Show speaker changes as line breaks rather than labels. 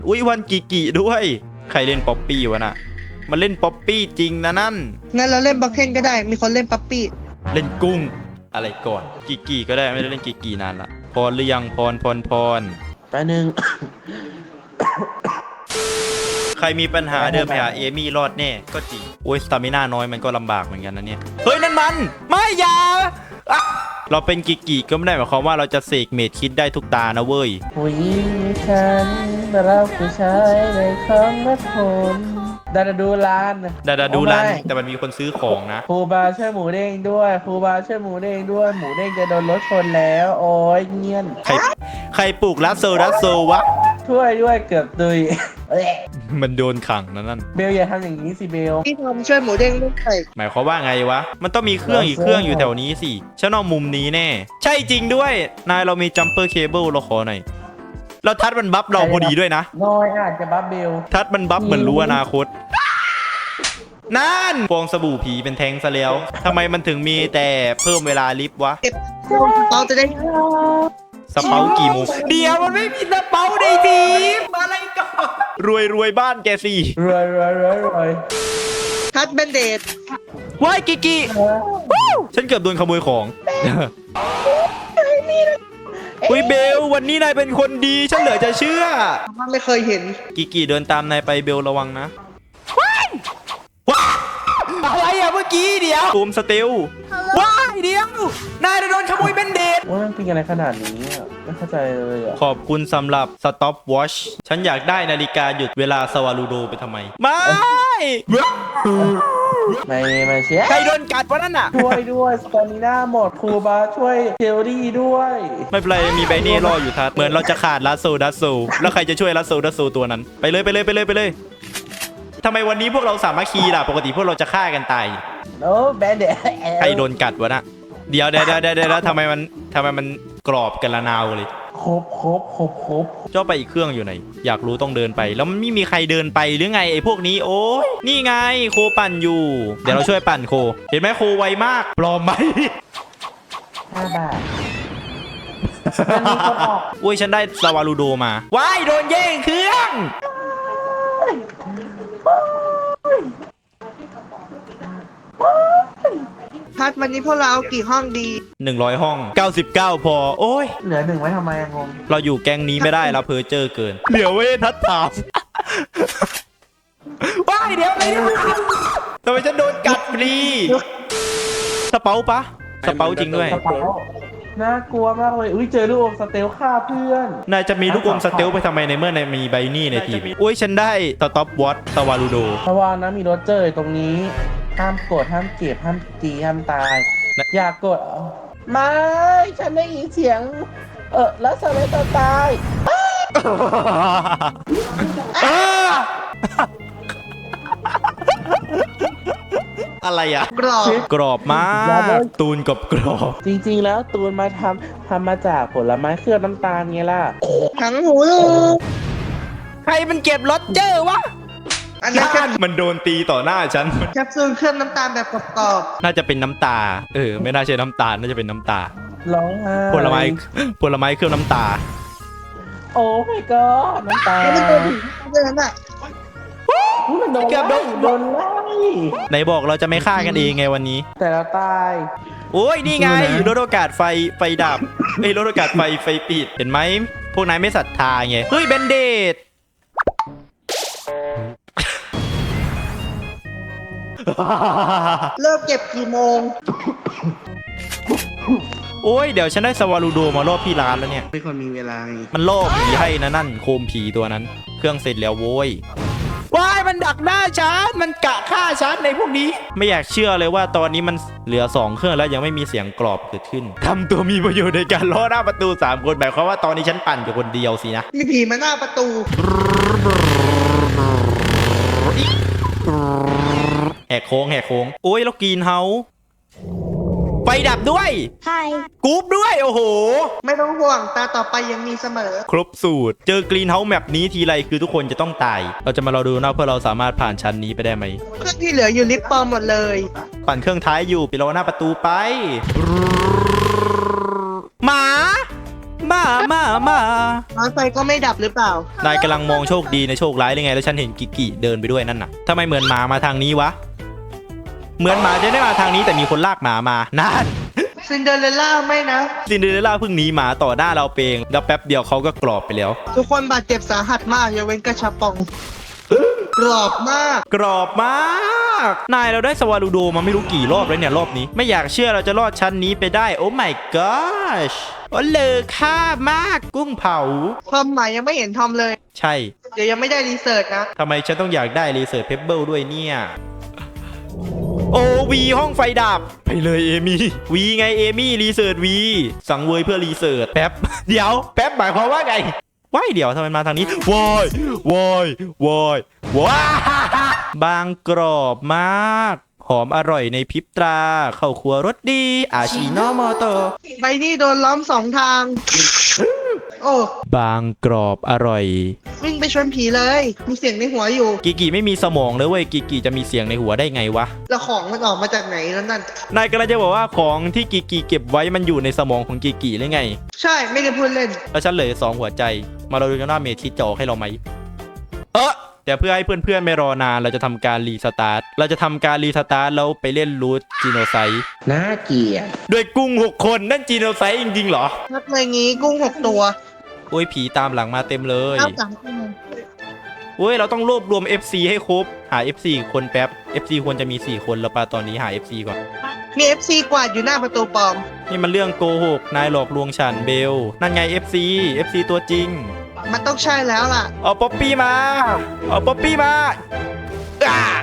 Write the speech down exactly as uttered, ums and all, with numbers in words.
อุ้ยวันกิกิด้วยใครเล่นป๊อปปี้วะน่ะมันเล่นป๊อปปี้จริงนะนั่น
งั้นเราเล่นบัคเคนก็ได้มีคนเล่นปั๊ปปี้
เล่นกุ้งอะไรก่อนกิกิก็ได้ไม่ได้เล่นกิกินานละพรหรือยังพรพรพร
แป๊บนึง
ใครมีปัญหาเดินไปหาเอมี่รอดแน่ก็จริงโอ้ยสตามิน่าน้อยมันก็ลำบากเหมือนกันนะเนี่ยเฮ้ยนั่นมันไม่อย่าอ่ะเราเป็นกิกิก็ไม่ได้หมายความว่าเราจะเสกเมดคิดได้ทุกตานะเว้ย
ผู้หญิงฉันรักผู้ชายในคำนัดคนดาดาดูร้าน
ดาดาดูร้านแต่มันมีคนซื้อของนะ
ครูบาช่วยหมูเด้งด้วยครูบาช่วยหมูเด้งด้วยหมูเด้งจะโดนรถชนแล้วโอ้ยเงียน
ใครใครปลูกรัสโซรัสโซวะ
ช่วยด้วยเกือบตุย
มันโดนขังนะนั่น
เบลอย่าทำอย่างนี้สิเบล
พี่ทอมช่วยหมูเด้งด้วย
หมายความว่าไงวะมันต้องมีเครื่องอีกเครื่องอยู่แถวนี้สิฉันเอามุมนี้แน่ใช่จริงด้วยนายเรามีจัมเปอร์เคเบิลเราขอหน่อยเราทัดมันบัฟเราพอดีด้วยนะ
น้อยอาจจะบัฟเบล
ทัดมันบัฟเหมือนรู้อนาคตนั่นฟองสบู่ผีเป็นแทงซะแล้วทำไมมันถึงมีแต่เพิ่มเวลาลิฟต์วะ
เก็บเราจะได้
สเปากี่โมงเดี๋ยวมันไม่มีสเปาในทีมอะไรก่อนรวยรวยบ้านแกสิ
รวยรวยรวยรวย
ทัดเบนเดด
ว้ายกิกิฉันเกือบโดนขโมยของอุ้ยเบลวันนี้นายเป็นคนดีฉันเหลือจะเชื่อ
มันไม่เคยเห็น
กิกิเดินตามนายไปเบลระวังนะอะไรอะเมื่อกี้เดี๋ยวตูมสเตลว้ายเดี๋ยวนายโดนขโมยเบนเดด
ว่ามันเป็นอะไรขนาดนี้อ่ะไม่เข้าใจเลยอ่ะ
ขอบคุณสำหรับ Stop Watch ฉันอยากได้นาฬิกาหยุดเวลาสวารูโดไปทำไมไม่
ไม่ไม่เชีย
ใครโดนกัดวะนั่นน่ะ
ช่วยด้วยสตามิน่าหมดครูบาช่วยเทลลี่ด้วย
ไม่เป็นไรมีไบเน่รออยู่ทัดเหมือนเราจะขาดลัสโซดัสโซแล้วใครจะช่วยลัสโซดัสโซตัวนั้นไปเลยไปเลยไปเลยไปเลยทำไมวันนี้พวกเราสามัคคีล่ะปกติพวกเราจะฆ่ากันตาย
โอ้แบนเดด
ใครโดนกัดวะน่ะเดี๋ยวเดี๋ยวเดี๋ยวเดี๋ยวทำไมมันทำไมมันกรอบกันละนาวเลย
ครบครบครบครบ
เจ้าไปอีกเครื่องอยู่ไหนอยากรู้ต้องเดินไปแล้วมันไม่มีใครเดินไปหรือไงไอ้พวกนี้โอ้ยนี่ไงโคปั่นอยู่เดี๋ยวเราช่วยปั่นโคเห็นไหมโคไวมากปลอมไหม
ห้าบาท
อุ้ยฉันได้สวารูโดมาว้ายโดนแย่งเครื่อง
ทัดวันนี้พวกเราเอากี่ห้องดี
หนึ่งร้อยห้องเก้าสิบเก้าพอโอ้ย
เหลือหนึ่งไว้ทำไมงง
เราอยู่แก๊งนี้ไม่ได้เราเพอเจอเกินเหลือเว้ทัดถามว้ายเดี๋ยวไปทำไมฉันโดนกัดฟรีสเปาปะสเปาจริงด้วย
น่ากลัวมากเลยอุ้ยเจอลูกอมสเตลฆ่าเพื่อน
นายจะมีลูกอมสเตลไปทำไมในเมื่อนายมีไบนี่ในทีมอุ้ยฉันได้สต็อปวอตสวารูโด
ระวังนะมีโรเจอร์ตรงนี้ห้ามกดห้ามเจ็บห้ามตีห้ามตายอย่ากดไม่ฉันได้ยินเสียงเออแล้วสเลตตาย
อะไรอะ
กรอบ
กรอบมากตูนกับกรอบ
จริงๆแล้วตูนมาทำทำมาจากผลไม้เคลือบน้ำตาลไงล่ะ
ทั้งหูลูก
ใครมันเก็บรถเจอวะอันนั้นมันโดนตีต่อหน้าฉัน
แคปซูลเคลือบน้ำตาลแบบกรอบ
ๆน่าจะเป็นน้ำตาเออไม่น่าใช่น้ำตาลน่าจะเป็นน้ำตา
ร้องไห้
ผลไม้ผลไม้เคลือบน้ำตา
โอ้ my god น้ำตา
ไม่ได้โดนเดินอ่ะ
มันโดนไล่โดนไล่
ไหนบอกเราจะไม่ฆ่ากันเองไงวันนี้
แต่เราตาย
โอ้ยนี่ไงรถโอกาสไฟไฟดับไอ้รถโอกาสไฟไฟปิดเห็นไหมพวกนายไม่ศรัทธาไงเฮ้ยเบนเดด
เลิกเก็บกี่โมง
โอ้ยเดี๋ยวฉันได้สวารูโดมาล่อพี่ร้านแล้วเนี่ย
ไม่คนมีเวลา
มันล่อผีให้นะนั่นโคมผีตัวนั้นเครื่องเสร็จแล้วโว้ยว้ายมันดักหน้าฉันมันกะฆ่าฉันในพวกนี้ไม่อยากเชื่อเลยว่าตอนนี้มันเหลือสองเครื่องแล้วยังไม่มีเสียงกรอบเกิดขึ้นทำตัวมีประโยชน์ในการล่อหน้าประตูสามคนหมายความว่าตอนนี้ฉันปั่นอยู่คนเดียวสินะ
มีผีมาหน้าประตู
แหกโค้งแหกโค้งโอ้ยแล้วกรีนเฮาส์ไฟดับด้วย
ใช่
กรุ๊ปด้วยโอ้โห
ไม่ต้องห่วงตาต่อไปยังมีเสมอ
ครบสูตรเจอกรีนเฮาส์แมปนี้ทีไรคือทุกคนจะต้องตายเราจะมารอดูนะเพื่อเราสามารถผ่านชั้นนี้ไปได้ไหม
เครื่องที่เหลืออยู่ลิฟต์ปลอมหมดเลย
ปั่นเครื่องท้ายอยู่ไปรอหน้าประตูไปหมาหมามามา
น้อยไฟก็ไม่ดับหรือเปล่าน
ายกำลังมองโชคดีในโชคร้ายหรือไงแล้วฉันเห็นกิกิเดินไปด้วยนั่นน่ะทำไมเหมือนหมามาทางนี้วะเหมือนหมาจะได้มาทางนี้แต่มีคนลากหมามานั่น
ซินเดอเรลล่าไม่นะ
ซินเดอเรลล่าเพิ่งหนีหมาต่อหน้าเราเองแล้วแป๊บเดียวเขาก็กรอบไปแล้ว
ทุกคนบาดเจ็บสาหัสมากยกเว้นกระชับปอง กรอบมาก
กรอบมากนายเราได้สวาลูโดมาไม่รู้กี่รอบแล้วเนี่ยรอบนี้ไม่อยากเชื่อเราจะรอดชั้นนี้ไปได้โอ้ my gosh โอ้เลอค่ามากกุ้งเผา
ทอมหมายยังไม่เห็นทอมเลย
ใช่
เดี๋ยวยังไม่ได้รีเสิร์ชนะ
ทำไมฉันต้องอยากได้รีเสิร์ชเพเบิลด้วยเนี่ยโอ้วีห้องไฟดับไปเลยเอมี่วีไงเอมี่รีเสิร์ชวีสั่งเวยเพื่อรีเสิร์ชแป๊บ เดี๋ยวแป๊บหมายความว่าไงว้ายเดี๋ยวทำไมมาทางนี้วอยวอยวอยวายบางกรอบมากหอมอร่อยในพริบตราเข้าครัวรสดีอาชิโนโมโต
ใบนี่โดนล้อมสองทาง โอ้
บางกรอบอร่อย
วิ่งไปชนผีเลย มีเสียงในหัวอยู่
กิกิไม่มีสมองเลยเว้ยกิกิจะมีเสียงในหัวได้ไงวะ
แล้วของมันออกมาจากไหนแล้วนั่น
นายกำลังจะบอกว่าของที่กิกิเก็บไว้มันอยู่ในสมองของกิกิหรือไง
ใช่ไม่ได้พูดเล่น
แล้วฉันเหลือสองหัวใจ มาเราดูกันว่าเมทิจะออกให้เราไหมเออแต่เพื่อให้เพื่อนๆไม่รอนานเราจะทำการรีสตาร์ทเราจะทำการรีสตาร์ทแล้วไปเล่นรูทจีโนไซต์
น่าเกลียด
ด้วยกุ้งหกคนนั่นจีโนไซต์จริงๆเหรอ
นับเลยงี้กุ้งหกตัว
โอ้ยผีตามหลังมาเต็มเลย
เก้าสามตัว
โอ้ยเราต้องรวบรวม เอฟ ซี ให้ครบหา เอฟ ซี คนแป๊บ เอฟ ซี ควรจะมีสี่คนแล้วปะตอนนี้หา เอฟ ซี ก่อน
มี เอฟ ซี กวาดอยู่หน้าประตูปลอม
นี่มันเรื่องโกหกนายหลอกลวงฉันเบลนั่นไง เอฟ ซี เอฟ ซี ตัวจริง
มันต้องใช่แล้วล่ะ
เอาป๊อปปี้มา เอาป๊อปปี้มาอ่า